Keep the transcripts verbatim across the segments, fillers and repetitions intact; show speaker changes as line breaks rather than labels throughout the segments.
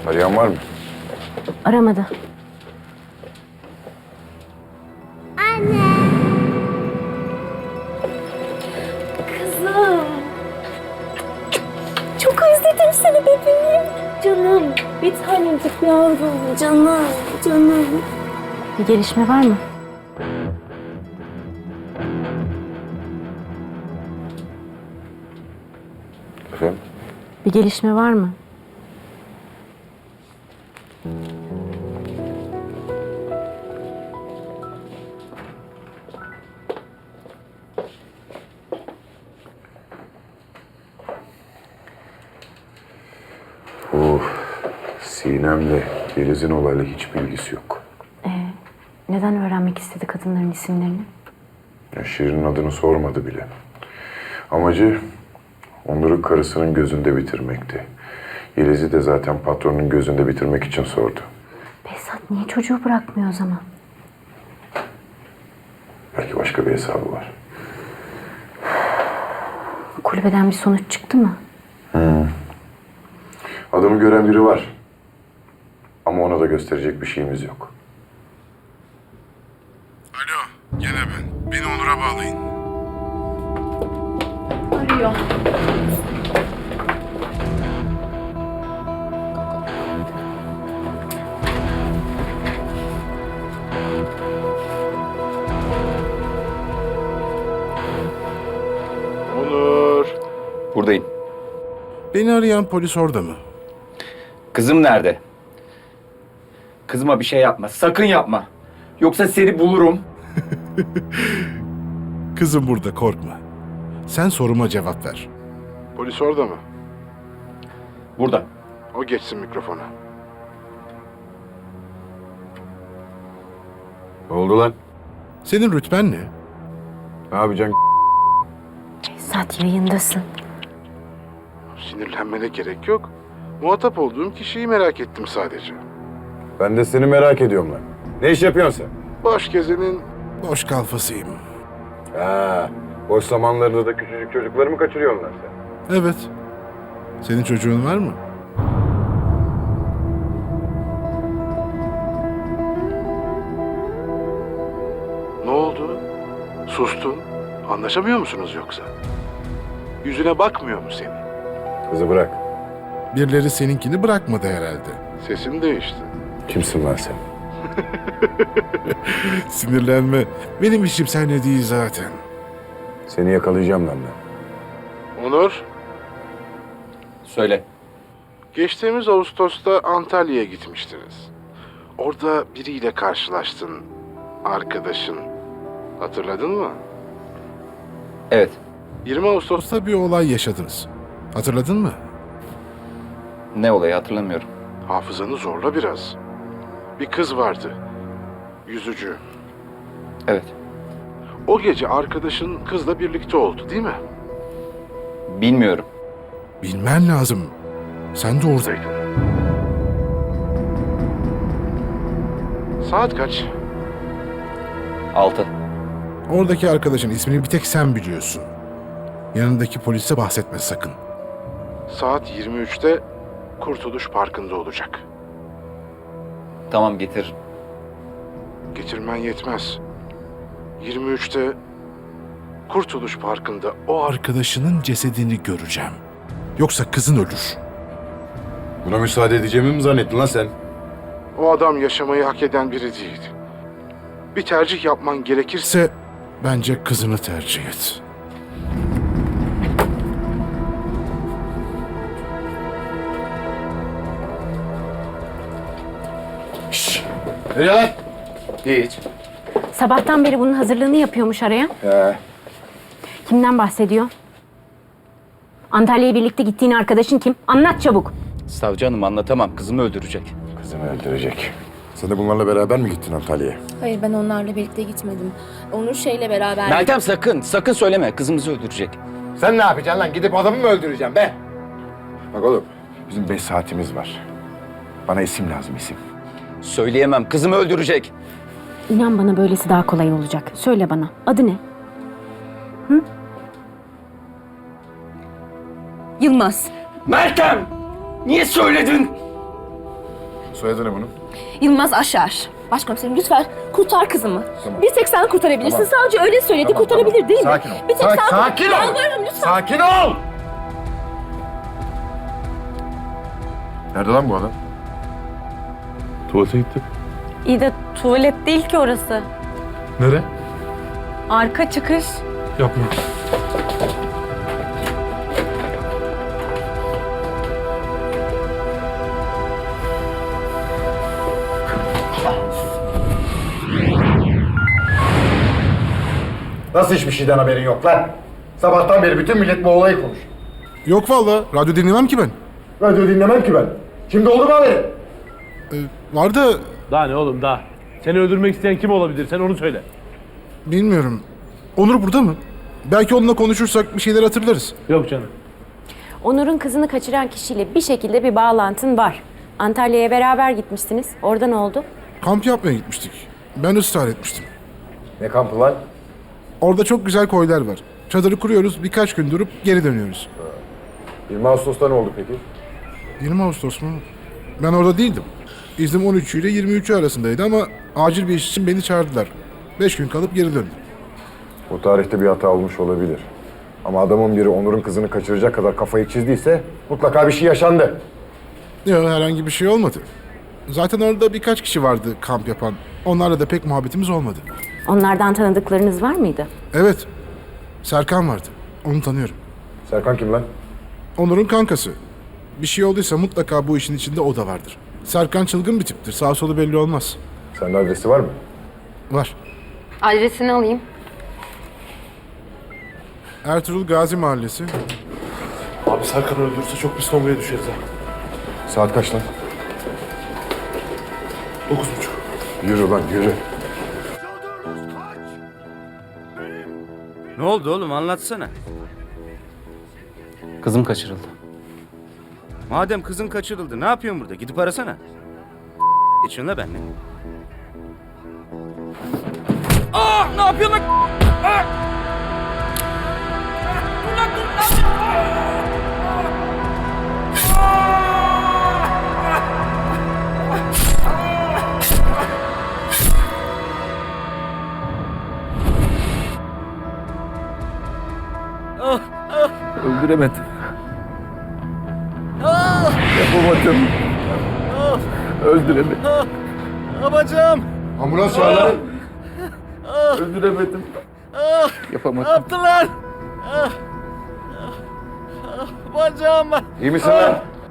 Arayan var mı?
Aramadı.
Anne.
Kızım. Çok özledim seni bebeğim. Canım. Bir tanecik yavrum. Canım. Canım. Bir gelişme var mı?
Efendim?
Bir gelişme var mı?
Bu Sinem'le Filiz'in olayla hiç bilgisi yok.
Ee, neden öğrenmek istedi kadınların isimlerini?
Ya Şirin'in adını sormadı bile. Amacı Onur'u karısının gözünde bitirmekti. Yeliz'i de zaten patronun gözünde bitirmek için sordu.
Behzat niye çocuğu bırakmıyor o zaman?
Belki başka bir hesabı var.
Kulübeden bir sonuç çıktı mı?
Adamı gören biri var. Ama ona da gösterecek bir şeyimiz yok.
Alo, gene ben. Beni Onur'a bağlayın.
Arıyor.
Onur.
Buradayım.
Beni arayan polis orada mı?
Kızım nerede? Kızıma bir şey yapma. Sakın yapma. Yoksa seni bulurum.
Kızım burada, korkma. Sen soruma cevap ver. Polis orada mı?
Burada.
O geçsin mikrofona.
Ne oldu lan?
Senin rütben ne?
Ne yapacaksın?
Behzat yayındasın.
Sinirlenmene gerek yok. Muhatap olduğum kişiyi merak ettim sadece.
Ben de seni merak ediyorum lan. Ne iş yapıyorsun sen?
Boş gezenin boş kalfasıyım.
Ha, boş zamanlarında da küçücük çocukları mı kaçırıyorsun lan sen?
Evet. Senin çocuğun var mı? Ne oldu? Sustun. Anlaşamıyor musunuz yoksa? Yüzüne bakmıyor mu senin?
Kızı bırak.
Birileri seninkini bırakmadı herhalde. Sesin değişti.
Kimsin lan sen?
Sinirlenme. Benim işim seninle değil zaten.
Seni yakalayacağım lan ben.
Onur,
Söyle.
geçtiğimiz Ağustos'ta Antalya'ya gitmiştiniz. Orada biriyle karşılaştın. Arkadaşın. Hatırladın mı?
Evet.
yirmi Ağustos'ta bir olay yaşadınız. Hatırladın mı?
Ne olayı hatırlamıyorum.
Hafızanı zorla biraz. Bir kız vardı. Yüzücü.
Evet.
O gece arkadaşın kızla birlikte oldu, değil mi?
Bilmiyorum.
Bilmen lazım. Sen de oradaydın. Saat kaç?
Altı.
Oradaki arkadaşın ismini bir tek sen biliyorsun. Yanındaki polise bahsetme sakın. Saat yirmi üçte Kurtuluş Parkı'nda olacak.
Tamam getir.
Getirmen yetmez. yirmi üçte Kurtuluş Parkı'nda o arkadaşının cesedini göreceğim. Yoksa kızın ölür.
Buna müsaade edeceğimi mi zannettin lan sen?
O adam yaşamayı hak eden biri değil. Bir tercih yapman gerekirse bence kızını tercih et.
Şşş! Nereye lan?
Hiç.
Sabahtan beri bunun hazırlığını yapıyormuş arayan.
He.
Kimden bahsediyor? Antalya'ya birlikte gittiğin arkadaşın kim? Anlat çabuk.
Savcı hanım anlatamam. Kızımı öldürecek.
Kızını öldürecek. Sen de bunlarla beraber mi gittin Antalya'ya?
Hayır, ben onlarla birlikte gitmedim. Onur şeyle beraber...
Meltem sakın. Sakın söyleme. Kızımızı öldürecek.
Sen ne yapacaksın lan? Gidip adamı mı öldüreceğim be? Bak oğlum, bizim beş saatimiz var. Bana isim lazım, isim.
Söyleyemem. Kızımı öldürecek.
İnan bana böylesi daha kolay olacak. Söyle bana. Adı ne?
Yılmaz.
Meltem! Niye söyledin?
Soyadı ne bunun?
Yılmaz Aşar. Başkomiserim lütfen kurtar kızımı.
Tamam.
Bir tek sen kurtarabilirsin.
Tamam.
Savcı öyle söyledi,
Tamam,
kurtarabilir
tamam.
değil mi?
Sakin ol.
Bir tek
Sakin-
sen
sakin ol.
Yalvarırım lütfen.
Sakin ol! Nerede lan bu adam?
Tuvalete gitti.
İyi de tuvalet değil ki orası.
Nere?
Arka çıkış.
Yapma.
Nasıl hiçbir şeyden haberin yok lan? Sabahtan beri bütün millet bu olayı konuş.
Yok valla. Radyo dinlemem ki ben.
Radyo dinlemem ki ben. Şimdi oldu mu haberi?
Ee, var da
Daha ne oğlum daha? Seni öldürmek isteyen kim olabilir? Sen onu söyle.
bilmiyorum. Onur burada mı? Belki onunla konuşursak bir şeyler hatırlarız.
Yok canım.
Onur'un kızını kaçıran kişiyle bir şekilde bir bağlantın var. Antalya'ya beraber gitmiştiniz. Orada ne oldu?
Kamp yapmaya gitmiştik. Ben ısrar etmiştim.
Ne kampı lan?
Orada çok güzel koylar var. Çadırı kuruyoruz, birkaç gün durup geri dönüyoruz.
yirmi Ağustos'ta ne oldu peki?
yirmi Ağustos mu? Ben orada değildim. İznim on üçü ile yirmi üçü arasındaydı ama acil bir iş için beni çağırdılar. Beş gün kalıp geri döndüm.
O tarihte bir hata olmuş olabilir. Ama adamın biri Onur'un kızını kaçıracak kadar kafayı çizdiyse mutlaka bir şey yaşandı.
Yok, herhangi bir şey olmadı. Zaten orada birkaç kişi vardı kamp yapan. Onlarla da pek muhabbetimiz olmadı.
Onlardan tanıdıklarınız var mıydı?
Evet, Serkan vardı. Onu tanıyorum.
Serkan kim lan?
Onur'un kankası. Bir şey olduysa mutlaka bu işin içinde o da vardır. Serkan çılgın bir tiptir. Sağ solu belli olmaz.
Sende adresi var mı?
Var.
Adresini alayım.
Ertuğrul Gazi Mahallesi.
Abi Serkan öldürürse çok pis kongaya düşeriz ha.
Saat kaç lan?
Dokuz buçuk.
Yürü lan yürü.
Ne oldu oğlum anlatsana.
Kızım kaçırıldı.
Madem kızın kaçırıldı ne yapıyorsun burada? Gidip arasana. Geçiyorsun la benimle. Aa ne yapıyorsun lan? Aa! Dur lan dur lan!
Öldüremedim. Yapamadım. Öldüremedim.
Babacığım!
Ambulans çağır lan.
Öldüremedim.
Ne
Yapamadım.
yaptılar? Bacağım!
İyi misin lan?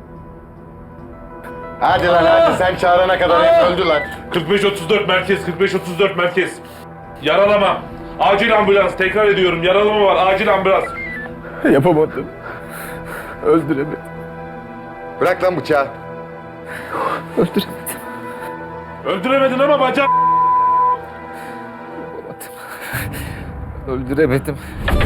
Hadi lan hadi sen çağırana kadar hep öldü lan.
kırk beş otuz dört merkez, kırk beş otuz dört merkez. Yaralama. Acil ambulans. Tekrar ediyorum. Yaralama var. Acil ambulans.
Yapamadım. Öldüremedim.
Bırak lan bıçağı.
Öldüremedim.
Öldüremedin ama bacak.
Öldüremedim.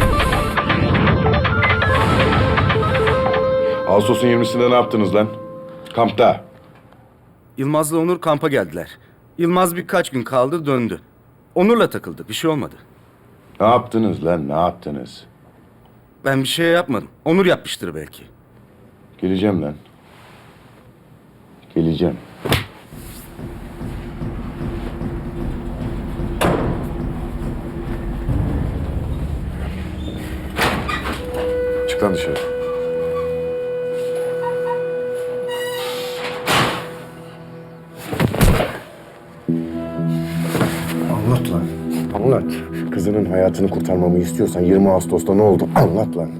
Ağustos'un yirmisinde ne yaptınız lan? Kampta.
Yılmaz'la Onur kampa geldiler. Yılmaz birkaç gün kaldı döndü. Onur'la takıldık bir şey olmadı.
Ne yaptınız lan ne yaptınız?
Ben bir şey yapmadım. Onur yapmıştır belki.
Geleceğim lan. Geleceğim. Çık lan dışarı.
Anlat lan. Anlat. Kızının hayatını kurtarmamı istiyorsan yirmi Ağustos'ta ne oldu? Anlat lan.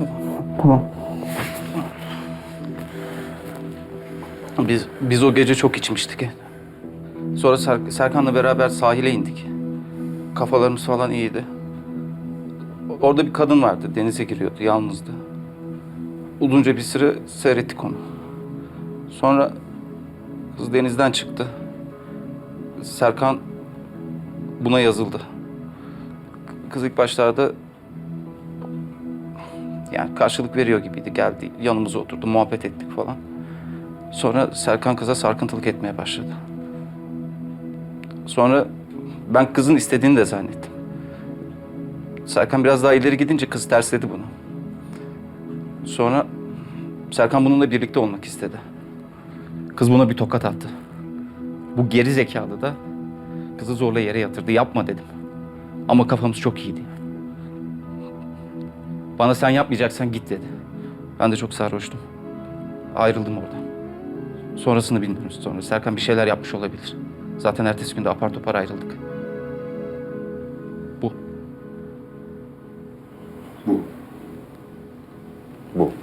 Biz biz o gece çok içmiştik. Sonra Ser- Serkan'la beraber sahile indik. Kafalarımız falan iyiydi. Orada bir kadın vardı, denize giriyordu, yalnızdı. Uzunca bir süre seyrettik onu. Sonra kız denizden çıktı. Serkan buna yazıldı. Kız ilk başlarda yani karşılık veriyor gibiydi. Geldi, yanımıza oturdu, muhabbet ettik falan. Sonra Serkan kıza sarkıntılık etmeye başladı. Sonra ben kızın istediğini de zannettim. Serkan biraz daha ileri gidince kız tersledi bunu. Sonra Serkan bununla birlikte olmak istedi. Kız buna bir tokat attı. Bu geri zekalı da kızı zorla yere yatırdı. Yapma dedim. Ama kafamız çok iyiydi. Bana sen yapmayacaksan git dedi. Ben de çok sarhoştum. Ayrıldım oradan. Sonrasını bilmiyoruz sonra. Serkan bir şeyler yapmış olabilir. Zaten ertesi günde apar topar ayrıldık. Bu.
Bu. Bu.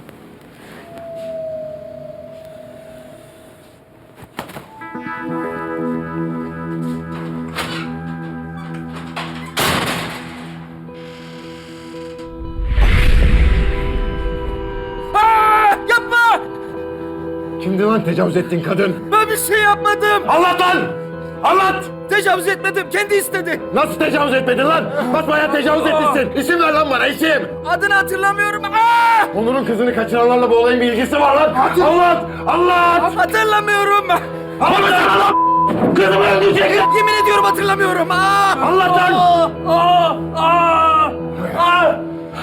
Yapma!
Kimdi lan tecavüz ettiğin kadın?
Ben bir şey yapmadım.
Anlat lan! Anlat!
Tecavüz etmedim. Kendi istedi.
Nasıl tecavüz etmedin lan? Basbayağı tecavüz etmişsin. İsim ver lan bana, isim!
Adını hatırlamıyorum. Aa!
Onur'un kızını kaçıranlarla bu olayın bir ilgisi var lan! Anlat! Anlat!
Hatırlamıyorum.
Anlatsana lan! Kızımı öldürecek!
Yemin ediyorum hatırlamıyorum. Aa!
Anlat lan!
Aa! Aa! Aa!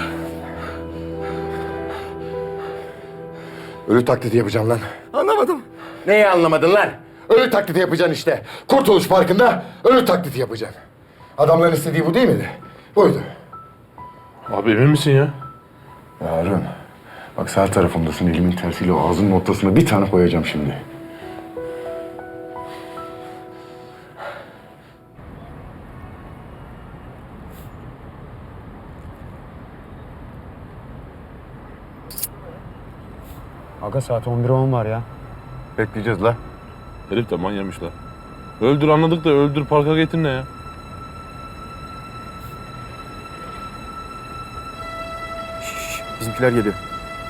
Ölü taklidi yapacağım lan.
Anlamadım.
Neyi anlamadın lan? Ölü taklidi yapacaksın işte. Kurtuluş Parkı'nda ölü taklidi yapacaksın. Adamların istediği bu değil miydi? Buydu.
Abi emin misin ya?
Ya Harun, bak sağ tarafımdasın. Elimin tersiyle o ağzının ortasına bir tane koyacağım şimdi.
Aga saat on bir on var ya.
Bekleyeceğiz la.
Herif de manyamışlar. Öldür anladık da öldür parka getir ne ya?
Bizimkiler geliyor.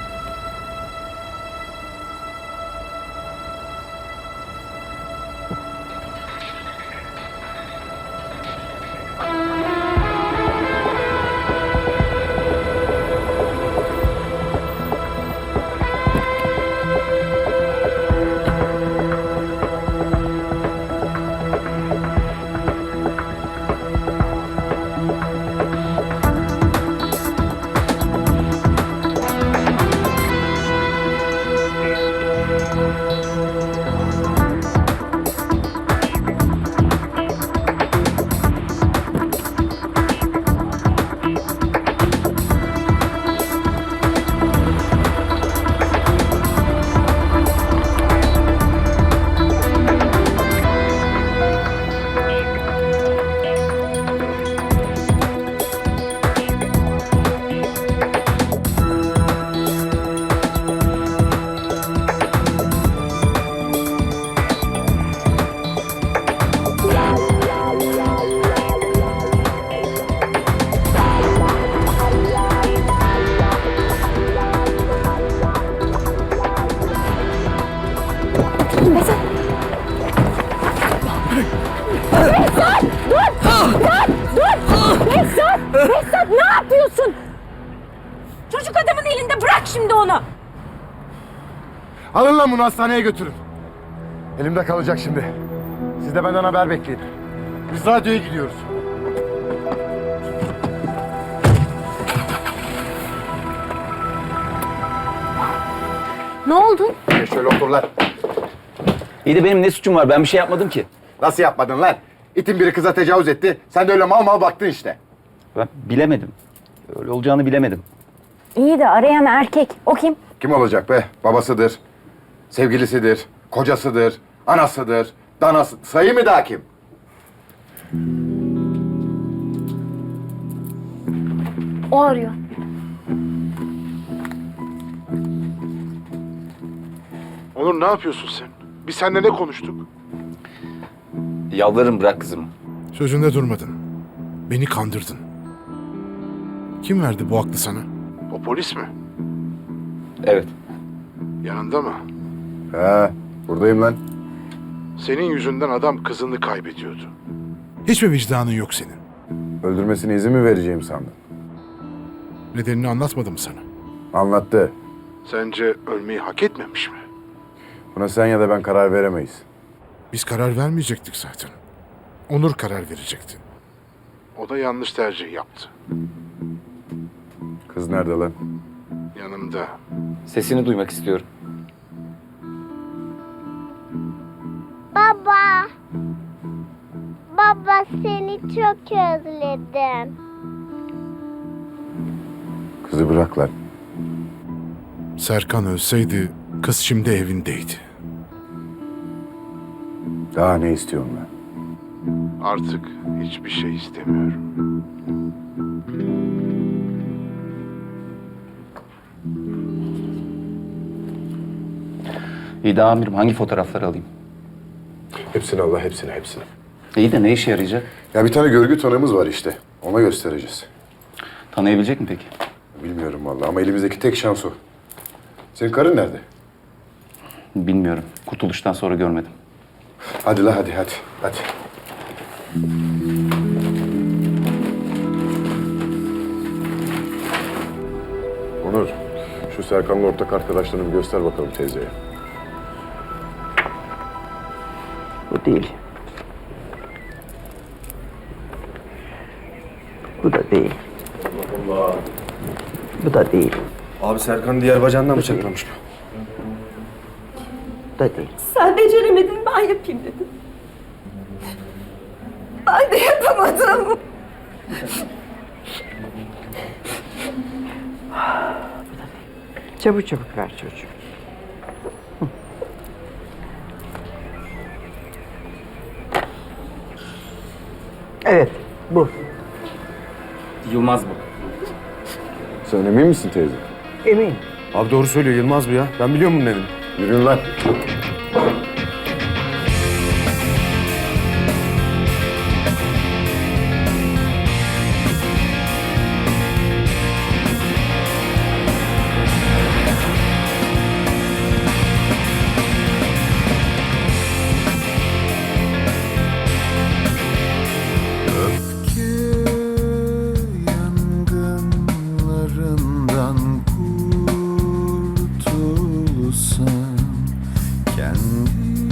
Behzat ne yapıyorsun? Çocuk adamın elinde, bırak şimdi onu.
Alın lan bunu hastaneye götürün. Elimde kalacak şimdi. Siz de benden haber bekleyin. Biz radyoya gidiyoruz.
Ne oldu?
Geç şöyle otur lan.
İyi de benim ne suçum var? Ben bir şey yapmadım ki.
Nasıl yapmadın lan? İtin biri kıza tecavüz etti. Sen de öyle mal mal baktın işte.
Ben bilemedim. Öyle olacağını bilemedim.
İyi de arayan erkek. O kim?
Kim olacak be? Babasıdır, sevgilisidir, kocasıdır, anasıdır, danası. Sayı mı daha kim?
O arıyor.
Onur ne yapıyorsun sen? Biz seninle ne konuştuk?
Yalvarırım bırak kızımı.
Sözünde durmadın. Beni kandırdın. Kim verdi bu aklı sana? O polis mi?
Evet.
Yanında mı?
He, buradayım lan.
Senin yüzünden adam kızını kaybediyordu. Hiç mi vicdanın yok senin?
Öldürmesine izin mi vereceğim sandın?
Nedenini anlatmadı mı sana?
Anlattı.
Sence ölmeyi hak etmemiş mi?
Buna sen ya da ben karar veremeyiz.
Biz karar vermeyecektik zaten. Onur karar verecekti. O da yanlış tercih yaptı.
Kız nerede lan?
Yanımda.
Sesini duymak istiyorum.
Baba. Baba seni çok özledim.
Kızı bırak lan.
Serkan ölseydi kız şimdi evindeydi.
Daha ne istiyorsun lan?
Artık hiçbir şey istemiyorum.
İyi de amirim hangi fotoğrafları alayım?
Hepsini Allah, hepsini, hepsini.
İyi de ne işe yarayacak?
Ya bir tane görgü tanığımız var işte. Ona göstereceğiz.
Tanıyabilecek mi peki?
Bilmiyorum vallahi ama elimizdeki tek şans o. Senin karın nerede?
Bilmiyorum. Kurtuluştan sonra görmedim.
Hadi la hadi hadi hadi. Onur, şu Serkan'ın ortak arkadaşlarını bir göster bakalım teyzeye.
Bu değil. Bu da değil. Bu da değil.
Abi Serkan diğer bacağından bıçaklamış bu.
Bu da değil.
Sen beceremedin, ben yapayım dedin. Ben de yapamadım.
Çabuk çabuk ver çocuğu. Hı. Evet, bu.
Yılmaz bu.
Sen emin misin teyze?
Emin.
Abi doğru söylüyor Yılmaz bu ya. Ben biliyorum bunun evini.
Yürüyün lan.
Yangınlarından kurtulsam, kendi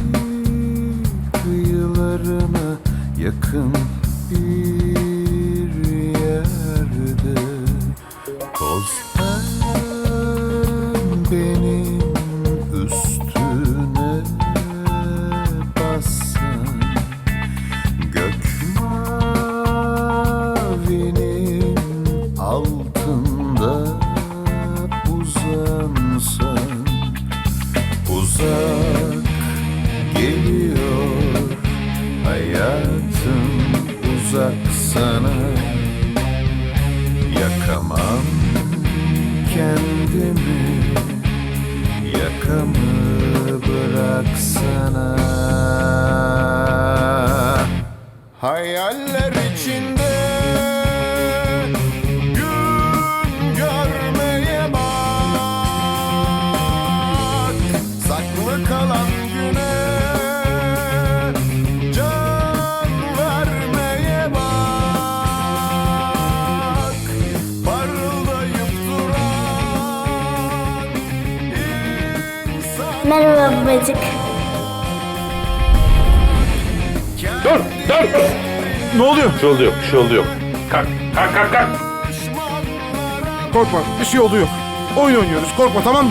kıyılarına yakın bir yerde, toz benim üstüne bassan, gök mavinin altında uzansan, uzak geliyor hayatım, uzak sana, yakamam kendimi, yakamı bıraksana. Hayaller içinde gün görmeye bak, saklı kalan güne can vermeye bak, parıldayıp duran insan.
Merhaba babacık.
Dur, dur!
Ne oluyor?
Bir şey oldu yok, bir şey oldu yok. Kalk, kalk, kalk, kalk!
Korkma, bir şey oldu yok. Oyun oynuyoruz, korkma tamam mı?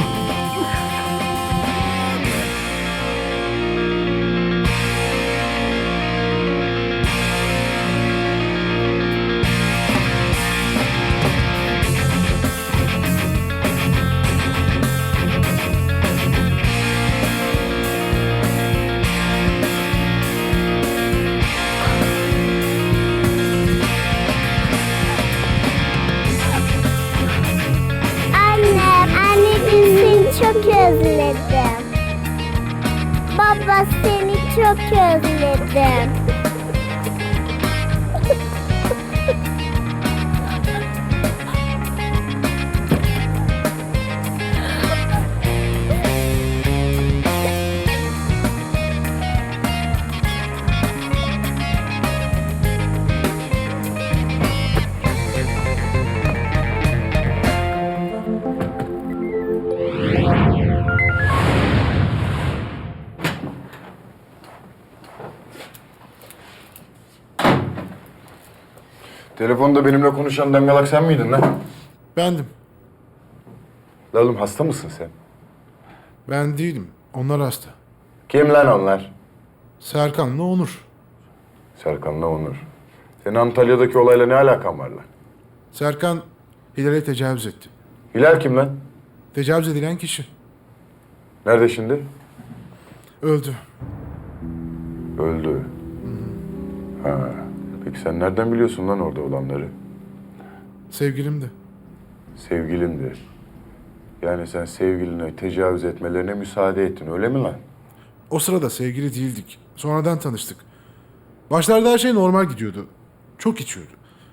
Anne, anneciğim seni çok özledim. Baba seni çok özledim.
Telefonda benimle konuşan dangalak sen miydin lan?
Bendim.
La oğlum hasta mısın sen?
Ben değilim. Onlar hasta.
Kim lan onlar?
Serkan'la Onur.
Serkan'la Onur. Senin Antalya'daki olayla ne alakan var lan?
Serkan Hilal'e tecavüz etti.
Hilal kim lan?
Tecavüz edilen kişi.
Nerede şimdi?
Öldü.
Öldü. Ha. Peki sen nereden biliyorsun lan orada olanları?
Sevgilimdi.
Sevgilindi. Yani sen sevgiline tecavüz etmelerine müsaade ettin, öyle mi lan?
O sırada sevgili değildik. Sonradan tanıştık. Başlarda her şey normal gidiyordu. Çok içiyordu.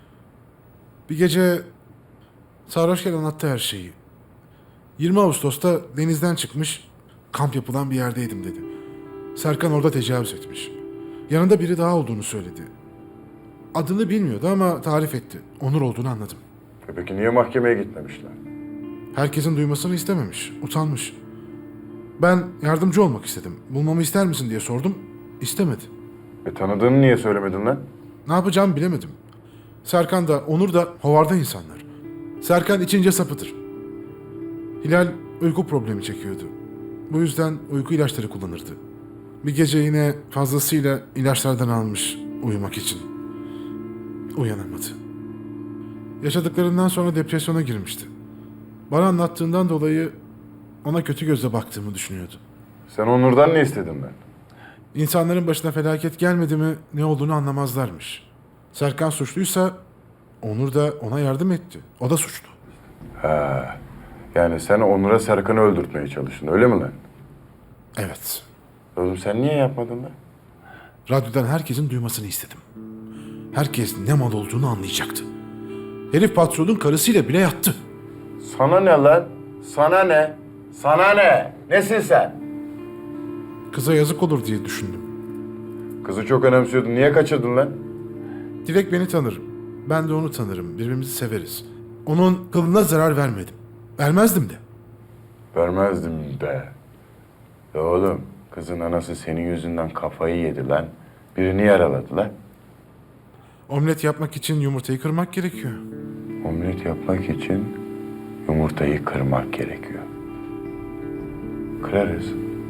Bir gece sarhoşken anlattı her şeyi. yirmi Ağustos'ta denizden çıkmış, kamp yapılan bir yerdeydim dedi. Serkan orada tecavüz etmiş. Yanında biri daha olduğunu söyledi. Adını bilmiyordu ama tarif etti. Onur olduğunu anladım.
E peki niye mahkemeye gitmemişler?
Herkesin duymasını istememiş, utanmış. Ben yardımcı olmak istedim. Bulmamı ister misin diye sordum. İstemedi.
E tanıdığını niye söylemedin lan?
Ne yapacağımı bilemedim. Serkan da Onur da hovarda insanlar. Serkan içince sapıtır. Hilal uyku problemi çekiyordu. Bu yüzden uyku ilaçları kullanırdı. Bir gece yine fazlasıyla ilaçlardan almış uyumak için. Uyanamadı. Yaşadıklarından sonra depresyona girmişti. Bana anlattığından dolayı ona kötü gözle baktığımı düşünüyordu.
Sen Onur'dan ne istedin lan?
İnsanların başına felaket gelmedi mi ne olduğunu anlamazlarmış. Serkan suçluysa Onur da ona yardım etti. O da suçlu.
Ha. Yani sen Onur'a Serkan'ı öldürtmeye çalıştın, öyle mi lan?
Evet.
Oğlum sen niye yapmadın lan?
Radyodan herkesin duymasını istedim. Herkes ne mal olduğunu anlayacaktı. Herif patronun karısıyla bile yattı.
Sana ne lan? Sana ne? Sana ne? Nesin sen?
Kıza yazık olur diye düşündüm.
Kızı çok önemsiyordun. Niye kaçırdın lan?
Dilek beni tanır. Ben de onu tanırım. Birbirimizi severiz. Onun kılına zarar vermedim. Vermezdim de.
Vermezdim de. Ya oğlum, kızın anası senin yüzünden kafayı yedi lan. Birini yaraladı lan.
Omlet yapmak için yumurtayı kırmak gerekiyor.
Omlet yapmak için yumurtayı kırmak gerekiyor. Kırarız.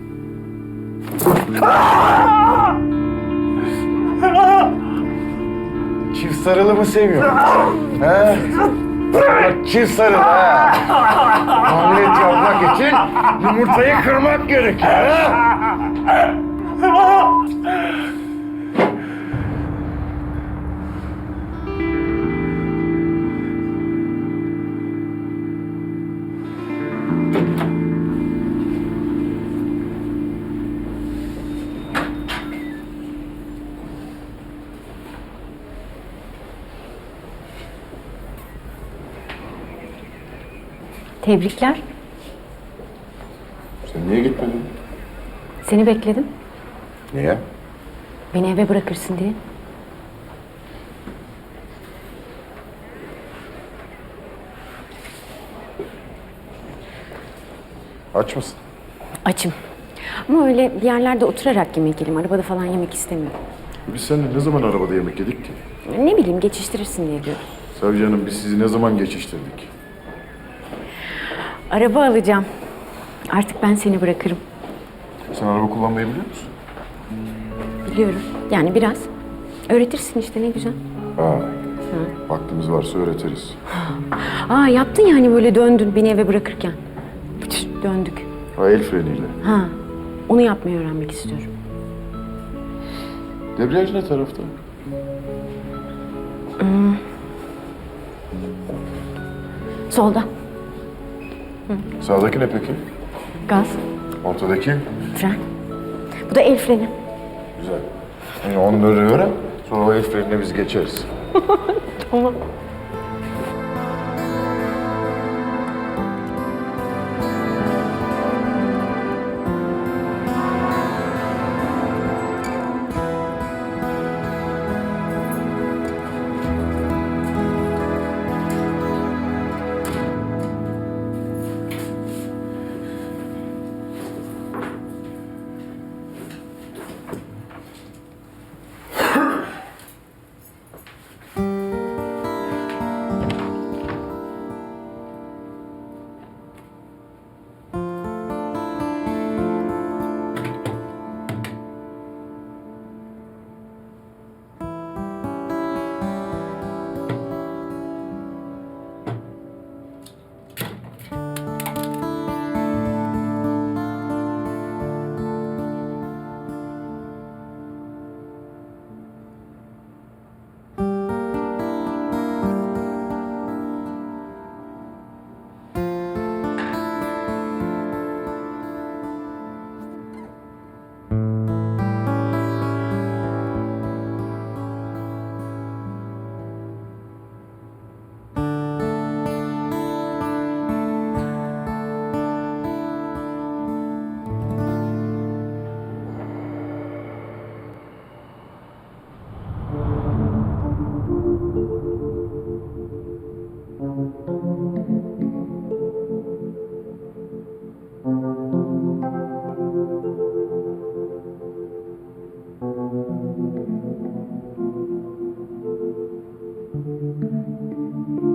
Çift sarılı mı seviyorsun? He? Çift sarılı ha. Omlet yapmak için yumurtayı kırmak gerekiyor. Ha?
Tebrikler.
Sen niye gitmedin?
Seni bekledim.
Niye?
Beni eve bırakırsın diye.
Aç mısın?
Açım. Ama öyle bir yerlerde oturarak yemek yiyelim. Arabada falan yemek istemiyorum.
Biz seninle ne zaman arabada yemek yedik ki?
Ne bileyim geçiştirirsin diye diyorum.
Savcı Hanım, biz sizi ne zaman geçiştirdik?
Araba alacağım. Artık ben seni bırakırım.
Sen araba kullanmayı biliyor musun?
Biliyorum. Yani biraz. Öğretirsin işte ne güzel.
Ha. Vaktimiz varsa öğretiriz.
Aa yaptın ya hani böyle döndün beni eve bırakırken. Pıtır, döndük.
Ha, el freniyle.
Ha. Onu yapmayı öğrenmek istiyorum.
Debriyaj ne tarafta?
Hmm. Solda. Hı.
Sağdaki ne peki?
Gaz.
Ortadaki?
Fren. Bu da el freni.
Güzel. Yani onları öğren, sonra o el frenine biz geçeriz.
Tamam.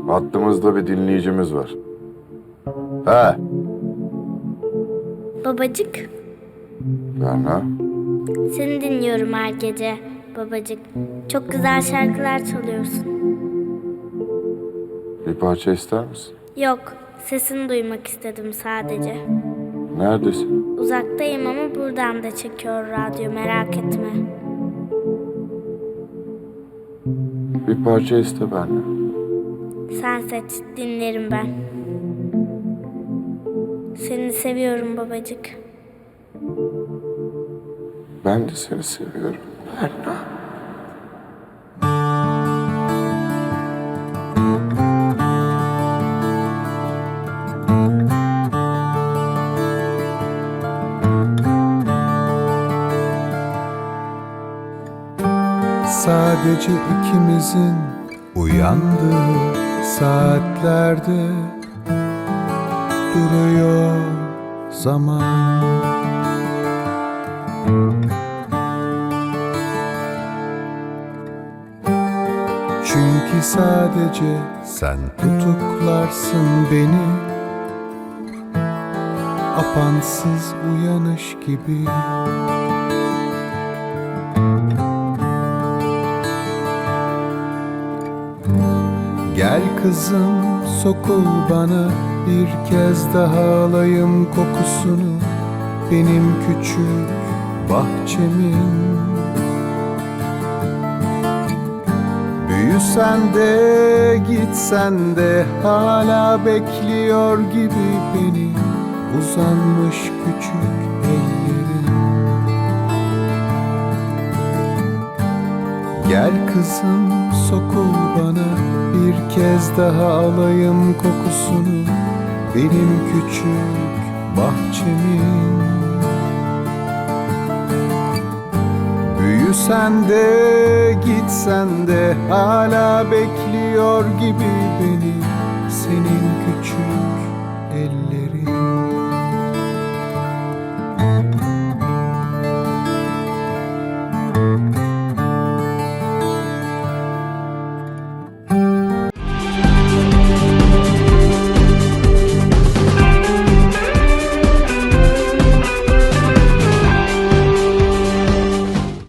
Hattımızda bir dinleyicimiz var. He,
Babacık,
Berna.
seni dinliyorum her gece. Babacık, çok güzel şarkılar çalıyorsun.
Bir parça ister misin?
Yok, sesini duymak istedim sadece.
Neredesin?
Uzaktayım ama buradan da çekiyor radyo, merak etme.
Bir parça iste Berna.
Sen seç, dinlerim ben. Seni seviyorum babacık.
Ben de seni seviyorum Berna.
Sadece ikimizin uyandığı saatlerde duruyor zaman. Çünkü sadece sen tutuklarsın beni, apansız uyanış gibi. Gel kızım, sokul bana, bir kez daha alayım kokusunu benim küçük bahçemin. Büyüsen de gitsen de hala bekliyor gibi beni uzanmış küçük ellerin. Gel kızım, sokul bana, bir kez daha alayım kokusunu benim küçük bahçemin. Büyüsen de gitsen de hala bekliyor gibi beni